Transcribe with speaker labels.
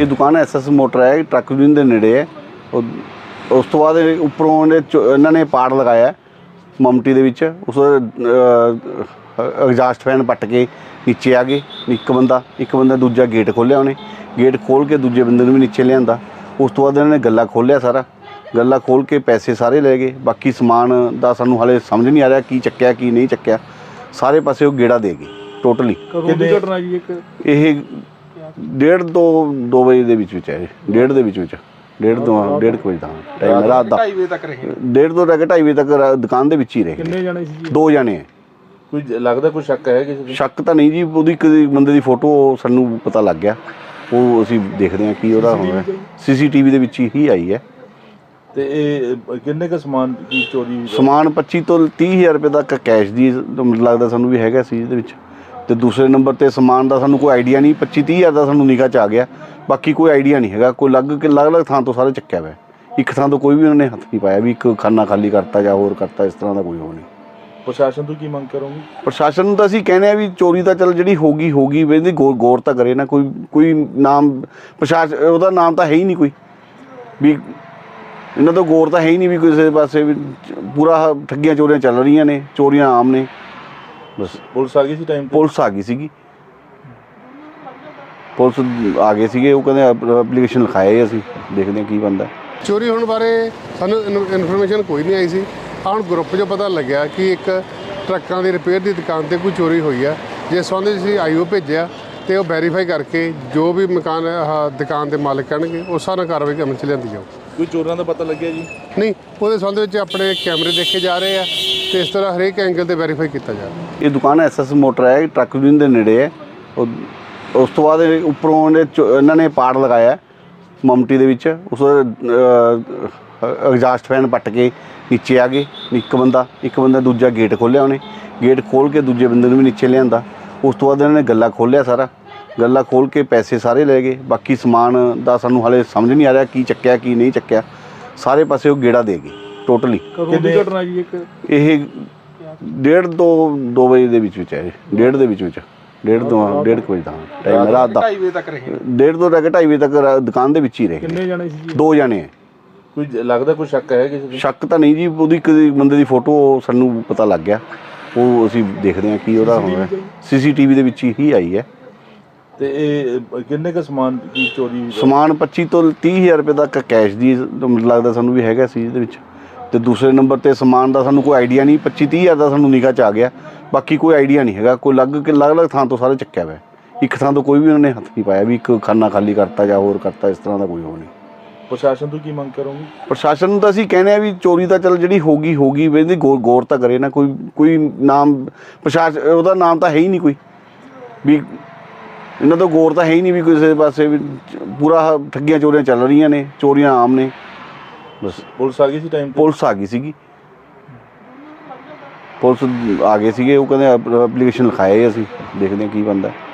Speaker 1: ये दुकान SS motor है, ट्रक यूनियन के नेड़े है। उस तो बाद उपरों इन्होंने पाड़ लगाया ममटी दे विच, उस एग्जास्ट फैन पट के नीचे आ गए। एक बंदा दूजा गेट खोलिया, उन्हें गेट खोल के दूजे बंदे भी नीचे लिया। उस तो बाद इन्होंने गल्ला खोलिया, सारा गल्ला खोल के पैसे सारे ले गए। बाकी समान का सानू हाले समझ नहीं आ रहा की चक्या की नहीं चक्या, सारे पासे वो गेड़ा दे गए टोटली। ये 1:30 ਤੋਂ 2 ਵਜੇ ਦੇ ਵਿੱਚ ਹੈ। 1:30 ਦੇ ਵਿੱਚ 1:30 ਵਜੇ ਦਾ ਟਾਈਮ ਰਾਤ ਦਾ। 1:30 ਤੱਕ ਰਹੇ, 1:30 ਤੋਂ ਲੈ ਕੇ 2:30 ਵਜੇ ਤੱਕ ਦੁਕਾਨ ਦੇ ਵਿੱਚ ਹੀ ਰਹੇ। ਕਿੰਨੇ ਜਣੇ ਸੀ? 2 ਜਣੇ ਹੈ।
Speaker 2: ਕੋਈ ਲੱਗਦਾ ਕੋਈ ਸ਼ੱਕ ਹੈ ਕਿਸੇ ਤੇ?
Speaker 1: ਸ਼ੱਕ ਤਾਂ ਨਹੀਂ ਜੀ, ਉਹਦੀ ਕਿਸੇ ਬੰਦੇ ਦੀ ਫੋਟੋ ਸਾਨੂੰ ਪਤਾ ਲੱਗ ਗਿਆ, ਉਹ ਅਸੀਂ ਦੇਖਦੇ ਹਾਂ ਕੀ ਉਹਦਾ ਹੋਣਾ। CCTV ਦੇ ਵਿੱਚ ਹੀ ਆਈ ਹੈ।
Speaker 2: ਤੇ ਇਹ ਕਿੰਨੇ ਕ ਸਮਾਨ ਕੀ ਚੋਰੀ?
Speaker 1: ਸਮਾਨ 25 ਤੋਂ 30,000 ਰੁਪਏ ਤੱਕ ਕੈਸ਼ ਦੀ ਲੱਗਦਾ ਸਾਨੂੰ ਵੀ ਹੈਗਾ ਸੀ ਇਹਦੇ ਵਿੱਚ। ਤੇ ਦੂਸਰੇ ਨੰਬਰ ਤੇ ਸਮਾਨ ਦਾ ਸਾਨੂੰ ਕੋਈ ਆਈਡੀਆ ਨਹੀਂ। 25-30,000 ਦਾ ਸਾਨੂੰ ਨਿਗਾਹ 'ਚ ਆ ਗਿਆ, ਬਾਕੀ ਕੋਈ ਆਈਡੀਆ ਨਹੀਂ ਹੈਗਾ। ਕੋਈ ਅਲੱਗ-ਅਲੱਗ ਥਾਂ ਤੋਂ ਸਾਰੇ ਚੱਕਿਆ ਹੋਇਆ, ਇੱਕ ਥਾਂ ਤੋਂ ਕੋਈ ਵੀ ਉਹਨਾਂ ਨੇ ਹੱਥ ਨਹੀਂ ਪਾਇਆ ਵੀ ਇੱਕ ਖਾਨਾ ਖਾਲੀ ਕਰਤਾ ਜਾਂ ਹੋਰ ਕਰਤਾ, ਇਸ ਤਰ੍ਹਾਂ ਦਾ ਕੋਈ ਹੋ ਨਹੀਂ।
Speaker 2: ਪ੍ਰਸ਼ਾਸਨ ਤੋਂ ਕੀ ਮੰਗ ਕਰੋਗੇ?
Speaker 1: ਪ੍ਰਸ਼ਾਸਨ ਨੂੰ ਤਾਂ ਅਸੀਂ ਕਹਿੰਦੇ ਆ ਵੀ ਚੋਰੀ ਤਾਂ ਚੱਲ ਜਿਹੜੀ ਹੋ ਗਈ ਵੀ ਇਹਦੀ ਗੌਰ ਤਾਂ ਕਰੇ ਨਾ। ਕੋਈ ਨਾਮ ਪ੍ਰਸ਼ਾਸਨ ਉਹਦਾ ਨਾਮ ਤਾਂ ਹੈ ਹੀ ਨਹੀਂ ਕੋਈ, ਵੀ ਇਹਨਾਂ ਤੋਂ ਗੌਰ ਤਾਂ ਹੈ ਹੀ ਨਹੀਂ ਵੀ ਕਿਸੇ ਪਾਸੇ ਵੀ। ਪੂਰਾ ਠੱਗੀਆਂ ਚੋਰੀਆਂ ਚੱਲ ਰਹੀਆਂ ਨੇ, ਚੋਰੀਆਂ ਆਮ ਨੇ ਬਸ।
Speaker 2: ਪੁਲਿਸ ਆ ਗਈ ਸੀ ਟਾਈਮ?
Speaker 1: ਪੁਲਿਸ ਆ ਗਈ ਸੀਗੀ, ਪੁਲਿਸ ਆ ਗਏ ਸੀਗੇ। ਉਹ ਕਹਿੰਦੇ ਐਪਲੀਕੇਸ਼ਨ ਲਿਖਾਏ, ਅਸੀਂ ਦੇਖਦੇ ਹਾਂ ਕੀ ਬਣਦਾ।
Speaker 3: ਚੋਰੀ ਹੋਣ ਬਾਰੇ ਸਾਨੂੰ ਇਨਫੋਰਮੇਸ਼ਨ ਕੋਈ ਨਹੀਂ ਆਈ ਸੀ। ਹੁਣ ਗਰੁੱਪ 'ਚੋਂ ਪਤਾ ਲੱਗਿਆ ਕਿ ਇੱਕ ਟਰੱਕਾਂ ਦੀ ਰਿਪੇਅਰ ਦੀ ਦੁਕਾਨ ਤੇ ਕੋਈ ਚੋਰੀ ਹੋਈ ਆ, ਜਿਸ ਸੰਬੰਧ ਵਿੱਚ ਅਸੀਂ IO ਭੇਜਿਆ ਤੇ ਉਹ ਵੈਰੀਫਾਈ ਕਰਕੇ ਜੋ ਵੀ ਮਕਾਨ ਦੁਕਾਨ ਦੇ ਮਾਲਕ ਕਹਿਣਗੇ ਉਸ ਹਿਸਾਬ ਨਾਲ ਕਾਰਵਾਈ ਅਮਲ 'ਚ ਲਿਆਂਦੀ ਜਾਊ।
Speaker 2: ਕੋਈ ਚੋਰਾਂ ਦਾ ਪਤਾ ਲੱਗਿਆ ਜੀ?
Speaker 3: ਨਹੀਂ, ਉਹਦੇ ਸੰਬੰਧ ਵਿੱਚ ਆਪਣੇ ਕੈਮਰੇ ਦੇਖੇ ਜਾ ਰਹੇ ਆ ਤੇ ਇਸ ਤਰ੍ਹਾਂ ਹਰੇਕ ਐਂਗਲ ਤੇ ਵੈਰੀਫਾਈ ਕੀਤਾ ਜਾ ਰਿਹਾ।
Speaker 1: ਇਹ ਦੁਕਾਨ SS ਮੋਟਰ ਹੈ, ਟਰੱਕ ਯੂਨੀਅਨ ਦੇ ਨੇੜੇ ਹੈ। ਉਸ ਤੋਂ ਬਾਅਦ ਉੱਪਰੋਂ ਇਹਨਾਂ ਨੇ ਪਾੜ ਲਗਾਇਆ ਮਮਟੀ ਦੇ ਵਿੱਚ, ਉਸ ਐਗਜ਼ਾਸਟ ਫੈਨ ਪੱਟ ਕੇ ਨੀਚੇ ਆ ਗਏ। ਇੱਕ ਬੰਦਾ ਦੂਜਾ ਗੇਟ ਖੋਲਿਆ, ਉਹਨੇ ਗੇਟ ਖੋਲ ਕੇ ਦੂਜੇ ਬੰਦੇ ਨੂੰ ਵੀ ਨੀਚੇ ਲਿਆਂਦਾ। ਉਸ ਤੋਂ ਬਾਅਦ ਇਹਨਾਂ ਨੇ ਗੱਲਾ ਖੋਲਿਆ, ਸਾਰਾ ਗੱਲਾ ਖੋਲ ਕੇ ਪੈਸੇ ਸਾਰੇ ਲੈ ਗਏ। ਬਾਕੀ ਸਮਾਨ ਦਾ ਸਾਨੂੰ ਹਾਲੇ ਸਮਝ ਨਹੀਂ ਆ ਰਿਹਾ ਕੀ ਚੱਕਿਆ ਕੀ ਨਹੀਂ ਚੱਕਿਆ, ਸਾਰੇ ਪਾਸੇ ਉਹ ਗੇੜਾ ਦੇ ਗਏ ਟੋਟਲੀ।
Speaker 2: ਕਿੰਨੀ ਘਟਨਾ ਜੀ?
Speaker 1: ਇਹ 1:30 ਤੋਂ 2 ਵਜੇ ਦੇ ਵਿੱਚ ਹੈ। 1:30 ਦੇ ਵਿੱਚ 1:30 ਤੋਂ 1:30 ਵਜੇ ਦਾ ਟਾਈਮ ਰਾਤ ਦਾ।
Speaker 2: 2:30 ਵਜੇ ਤੱਕ ਰਹੇ,
Speaker 1: 1:30 ਤੋਂ ਲੈ ਕੇ 2:30 ਵਜੇ ਤੱਕ ਦੁਕਾਨ ਦੇ ਵਿੱਚ ਹੀ ਰਹੇ।
Speaker 2: ਕਿੰਨੇ ਜਣੇ ਸੀ?
Speaker 1: 2 ਜਣੇ ਹੈ।
Speaker 2: ਕੋਈ ਲੱਗਦਾ ਕੋਈ ਸ਼ੱਕ ਹੈ ਕਿਸੇ ਤੇ?
Speaker 1: ਸ਼ੱਕ ਤਾਂ ਨਹੀਂ ਜੀ, ਉਹਦੀ ਕਿਸੇ ਬੰਦੇ ਦੀ ਫੋਟੋ ਸਾਨੂੰ ਪਤਾ ਲੱਗ ਗਿਆ, ਉਹ ਅਸੀਂ ਦੇਖਦੇ ਹਾਂ ਕੀ ਉਹਦਾ ਹੋਣਾ। CCTV ਦੇ ਵਿੱਚ ਹੀ ਆਈ ਹੈ।
Speaker 2: ਤੇ ਇਹ ਕਿੰਨੇ ਕ ਸਮਾਨ ਕੀ ਚੋਰੀ?
Speaker 1: ਸਮਾਨ 25 ਤੋਂ 30,000 ਰੁਪਏ ਤੱਕ ਕੈਸ਼ ਦੀ ਲੱਗਦਾ ਸਾਨੂੰ ਵੀ ਹੈਗਾ ਸੀ ਇਹਦੇ ਵਿੱਚ। ਤੇ ਦੂਸਰੇ ਨੰਬਰ ਤੇ ਸਮਾਨ ਦਾ ਸਾਨੂੰ ਕੋਈ ਆਈਡੀਆ ਨਹੀਂ। 25-30,000 ਦਾ ਸਾਨੂੰ ਨਿਗਾਹ 'ਚ ਆ ਗਿਆ, ਬਾਕੀ ਕੋਈ ਆਈਡੀਆ ਨਹੀਂ ਹੈਗਾ। ਕੋਈ ਅਲੱਗ-ਅਲੱਗ ਥਾਂ ਤੋਂ ਸਾਰੇ ਚੱਕਿਆ ਹੋਇਆ, ਇੱਕ ਥਾਂ ਤੋਂ ਕੋਈ ਵੀ ਉਹਨਾਂ ਨੇ ਹੱਥ ਨਹੀਂ ਪਾਇਆ ਵੀ ਇੱਕ ਖਾਨਾ ਖਾਲੀ ਕਰਤਾ ਜਾਂ ਹੋਰ ਕਰਤਾ, ਇਸ ਤਰ੍ਹਾਂ ਦਾ ਕੋਈ ਹੋ ਨਹੀਂ।
Speaker 2: ਪ੍ਰਸ਼ਾਸਨ ਤੋਂ ਕੀ ਮੰਗ ਕਰੋਗੇ?
Speaker 1: ਪ੍ਰਸ਼ਾਸਨ ਨੂੰ ਤਾਂ ਅਸੀਂ ਕਹਿੰਦੇ ਆ ਵੀ ਚੋਰੀ ਤਾਂ ਚੱਲ ਜਿਹੜੀ ਹੋ ਗਈ ਵੀ ਇਹਦੀ ਗੌਰ ਤਾਂ ਕਰੇ ਨਾ। ਕੋਈ ਨਾਮ ਪ੍ਰਸ਼ਾਸਨ ਉਹਦਾ ਨਾਮ ਤਾਂ ਹੈ ਹੀ ਨਹੀਂ ਕੋਈ, ਵੀ ਇਹਨਾਂ ਤੋਂ ਗੌਰ ਤਾਂ ਹੈ ਹੀ ਨਹੀਂ ਵੀ ਕਿਸੇ ਪਾਸੇ ਵੀ। ਪੂਰਾ ਠੱਗੀਆਂ ਚੋਰੀਆਂ ਚੱਲ ਰਹੀਆਂ ਨੇ, ਚੋਰੀਆਂ ਆਮ ਨੇ ਬਸ।
Speaker 2: ਪੁਲਿਸ ਆ ਗਈ ਸੀ ਟਾਈਮ?
Speaker 1: ਪੁਲਿਸ ਆ ਗਈ ਸੀਗੀ, ਪੁਲਿਸ ਆ ਗਏ ਸੀਗੇ। ਉਹ ਕਹਿੰਦੇ ਐਪਲੀਕੇਸ਼ਨ ਲਿਖਾਏ, ਅਸੀਂ ਦੇਖਦੇ ਹਾਂ ਕੀ ਬਣਦਾ।